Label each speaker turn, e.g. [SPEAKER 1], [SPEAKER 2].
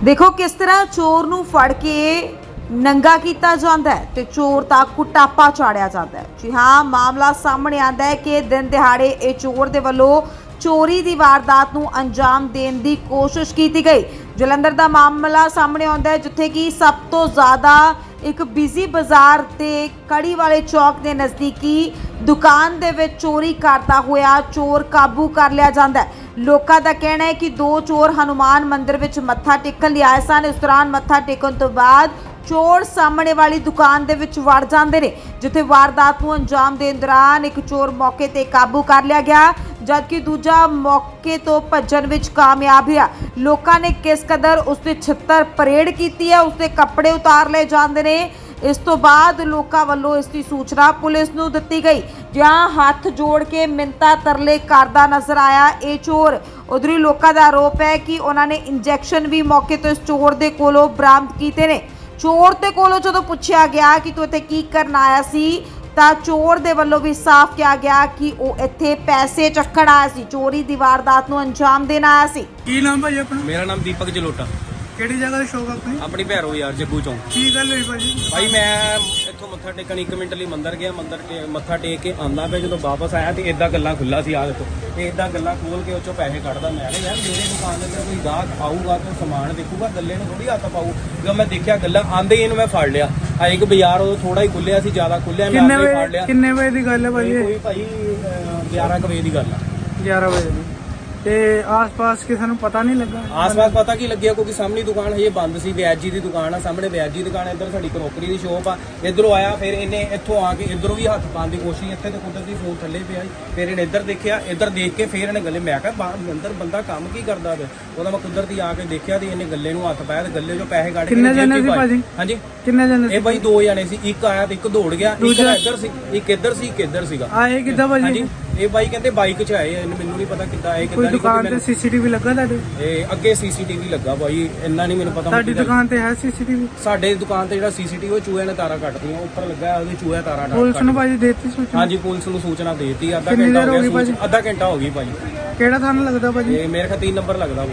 [SPEAKER 1] देखो किस तरह चोर नूं फड़ के नंगा किया जाता है तो चोर तक कुटापा चाढ़िया जाता है। जी हाँ, मामला सामने आता है कि दिन दिहाड़े ये चोर दे वल्लों चोरी की वारदात नूं अंजाम देने की कोशिश की गई। जलंधर का मामला सामने आता है जिथे कि सब तो ज़्यादा एक बिजी बाजार ते कड़ी वाले चौक के नज़दीकी दुकान दे विच चोरी करता हुआ चोर काबू कर लिया जाता है। लोगों का कहना है कि दो चोर हनुमान मंदिर विच मत्था टेकन लिए आए सन। इस दौरान मत्था टेकन तो बाद चोर सामने वाली दुकान दे विच वड़ जाते हैं, जिथे वारदात नूं अंजाम देने दौरान एक चोर मौके ते काबू कर लिया गया, जबकि दूजा मौके तो भज्जण विच कामयाब हुआ। लोगों ने किस कदर उसकी छित्तर परेड की है, उसके कपड़े उतार ले जाते हैं। इस तो बाद लोगों वालों इसकी सूचना पुलिस नूं दित्ती गई, जहां हाथ जोड़ के मिन्नतां तरले करदा नजर आया ये चोर। उधर ही लोगों का आरोप है कि उन्होंने इंजैक्शन भी मौके तो इस चोर दे कोलों बरामद कीते ने। चोर दे कोलों जदों पुछया गया कि तू इत्थे की करन आया सी तां चोर दे वल्लों भी साफ किया गया कि वह इत्थे पैसे चक्कण आया सी, चोरी दी वारदात नूं अंजाम देण आया सी।
[SPEAKER 2] की नाम भाई अपना?
[SPEAKER 3] मेरा नाम दीपक जलोटा।
[SPEAKER 2] ਕਿਹੜੀ ਜਗ੍ਹਾ ਦੀ ਸ਼ੌਪ ਆਪਣੀ?
[SPEAKER 3] अपनी भैरो यार जग्गू चौंक।
[SPEAKER 2] ਕੀ ਗੱਲ ਹੋਈ ਭਾਜੀ?
[SPEAKER 3] भाई मैं इत्थों मत्था टेकन 1 मिनट ਲਈ ਮੰਦਰ ਗਿਆ, ਮੱਥਾ ਟੇਕ ਕੇ ਆਂਦਾ ਪਿਆ, ਜਦੋਂ ਵਾਪਸ ਆਇਆ ਤੇ ਇਦਾਂ ਗੱਲਾਂ ਖੁੱਲਾ ਸੀ ਆ ਦੇਖੋ, ਤੇ ਇਦਾਂ ਗੱਲਾਂ ਖੋਲ ਕੇ ਉਹ ਚੋਂ ਪੈਸੇ ਕੱਢਦਾ। ਮੈਂ ਕਿਹਾ ਯਾਰ ਮੇਰੇ ਦੁਕਾਨ ਦੇ ਤੇ ਕੋਈ ਗਾਹਕ ਆਊਗਾ ਤੇ ਸਮਾਨ ਦੇਖੂਗਾ, ਗੱਲੇ ਨੂੰ ਥੋੜੀ ਹੱਥ ਪਾਊ। ਜਦੋਂ ਮੈਂ ਦੇਖਿਆ ਗੱਲਾਂ ਆਂਦੇ ਹੀ ਇਹਨੂੰ ਮੈਂ ਫੜ ਲਿਆ। ਆ ਇੱਕ ਬਾਜ਼ਾਰ ਉਹ ਥੋੜਾ ਹੀ ਖੁੱਲਿਆ ਸੀ, ਜ਼ਿਆਦਾ ਖੁੱਲਿਆ, ਮੈਂ ਆਪੇ ਫੜ ਲਿਆ।
[SPEAKER 2] ਕਿੰਨੇ ਵਜੇ ਦੀ ਗੱਲ ਹੈ ਭਾਜੀ?
[SPEAKER 3] ਕੋਈ ਭਾਈ 11 ਕੁ ਵਜੇ ਦੀ ਗੱਲ ਆ।
[SPEAKER 2] 11 ਵਜੇ ਦੀ। ਤੇ ਆਸ-ਪਾਸ ਕਿਸੇ ਨੂੰ ਪਤਾ ਨਹੀਂ ਲੱਗਾ?
[SPEAKER 3] ਆਸ-ਪਾਸ ਪਤਾ ਕੀ ਲੱਗਿਆ, ਕਿਉਂਕਿ ਸਾਹਮਣੀ ਦੁਕਾਨ ਹਜੇ ਬੰਦ ਸੀ। ਵਿਆਜੀ ਦੀ ਦੁਕਾਨ ਆ ਸਾਹਮਣੇ, ਵਿਆਜੀ ਦੀ ਦੁਕਾਨ, ਇੱਧਰ ਸਾਡੀ ਕਰੋਕਰੀ ਦੀ ਸ਼ੋਪ ਆ। ਇੱਧਰੋਂ ਆਇਆ, ਫਿਰ ਇਹਨੇ ਇੱਥੋਂ ਆ ਕੇ ਇੱਧਰੋਂ ਵੀ ਹੱਥ ਪਾਉਣ ਦੀ ਕੋਸ਼ਿਸ਼, ਇੱਥੇ ਤੇ ਕੁਦਰਤੀ ਫੋਨ ਥੱਲੇ ਪਿਆ ਸੀ। ਫਿਰ ਇਹਨੇ ਇੱਧਰ ਦੇਖਿਆ, ਇੱਧਰ ਦੇਖ ਕੇ ਫਿਰ ਇਹਨੇ ਗੱਲੇ, ਮੈਂ ਕਿਹਾ ਅੰਦਰ ਬੰਦਾ ਕੰਮ ਕੀ ਕਰਦਾ ਪਿਆ। ਉਹਦਾ ਮੈਂ ਕੁਦਰਤੀ ਆ ਕੇ ਦੇਖਿਆ ਤੇ ਇਹਨੇ ਗੱਲੇ ਨੂੰ ਹੱਥ ਪਾਇਆ ਤੇ ਗੱਲੇ 'ਚੋਂ ਪੈਸੇ ਕੱਢ ਕੇ
[SPEAKER 2] ਕਿੰਨੇ ਜਣੇ ਸੀ ਭਾਜੀ?
[SPEAKER 3] ਹਾਂਜੀ
[SPEAKER 2] ਕਿੰਨੇ ਜਣੇ ਸੀ?
[SPEAKER 3] ਇਹ ਬਾਈ 2 ਜਣੇ ਸੀ, ਇੱਕ ਆਇਆ ਤੇ ਇੱਕ ਦੌੜ ਗਿਆ। ਇੱਕ ਇੱਧਰ ਸੀ, ਇੱਕ ਇੱਧਰ ਸੀ, ਇੱਕ ਇੱਧਰ ਸੀਗਾ।
[SPEAKER 2] ਆਏ ਕਿੱਦਾਂ ਭਾਜੀ?
[SPEAKER 3] ਹਾਂਜੀ, ਇਹ ਬਾਈ ਕਹਿੰਦੇ ਬਾਈਕ 'ਚ ਆਏ, ਮੈਨੂੰ ਨਹੀਂ ਪਤਾ ਕਿੱਦਾਂ ਆਏ,
[SPEAKER 2] ਕੋਈ
[SPEAKER 3] ਕਿੱਦਾਂ
[SPEAKER 2] ਦੁਕਾਨ ਤੇ
[SPEAKER 3] ਨਹੀਂ।
[SPEAKER 2] ਸੀਸੀਟੀਵੀ ਲੱਗਾ ਤੁਹਾਡੇ?
[SPEAKER 3] ਇਹ ਅੱਗੇ ਸੀਸੀਟੀਵੀ ਲੱਗਾ ਬਾਈ, ਇੰਨਾ ਨਹੀਂ ਮੈਨੂੰ ਪਤਾ।
[SPEAKER 2] ਤੁਹਾਡੀ ਦੁਕਾਨ ਤੇ ਹੈ ਸੀਸੀਟੀਵੀ?
[SPEAKER 3] ਸਾਡੇ ਦੁਕਾਨ ਤੇ ਜਿਹੜਾ ਸੀਸੀਟੀਵੀ ਉਹ ਚੂਹੇ ਨੇ ਤਾਰਾਂ ਕੱਟਦੀਆਂ, ਉੱਪਰ ਲੱਗਾ ਉਹਦੇ ਚੂਹੇ ਤਾਰਾਂ
[SPEAKER 2] ਪੁਲਿਸ ਨੂੰ ਭਾਜੀ ਦੇਤੀ ਸੂਚਨਾ?
[SPEAKER 3] ਹਾਂਜੀ, ਪੁਲਿਸ ਨੂੰ ਸੂਚਨਾ ਦੇਤੀ। ਅੱਧਾ
[SPEAKER 2] ਕਿੰਨੀ
[SPEAKER 3] ਘੰਟਾ
[SPEAKER 2] ਦੇਰ
[SPEAKER 3] ਹੋ
[SPEAKER 2] ਹੋ ਗਈ
[SPEAKER 3] ਗਿਆ,
[SPEAKER 2] ਭਾਜੀ?
[SPEAKER 3] ਅੱਧਾ ਘੰਟਾ ਹੋ ਗਈ ਭਾਈ।
[SPEAKER 2] ਕਿਹੜਾ ਥਾਣਾ ਲੱਗਦਾ ਭਾਜੀ?
[SPEAKER 3] ਇਹ ਮੇਰੇ ਖਿਆਲ 3 ਨੰਬਰ ਲੱਗਦਾ।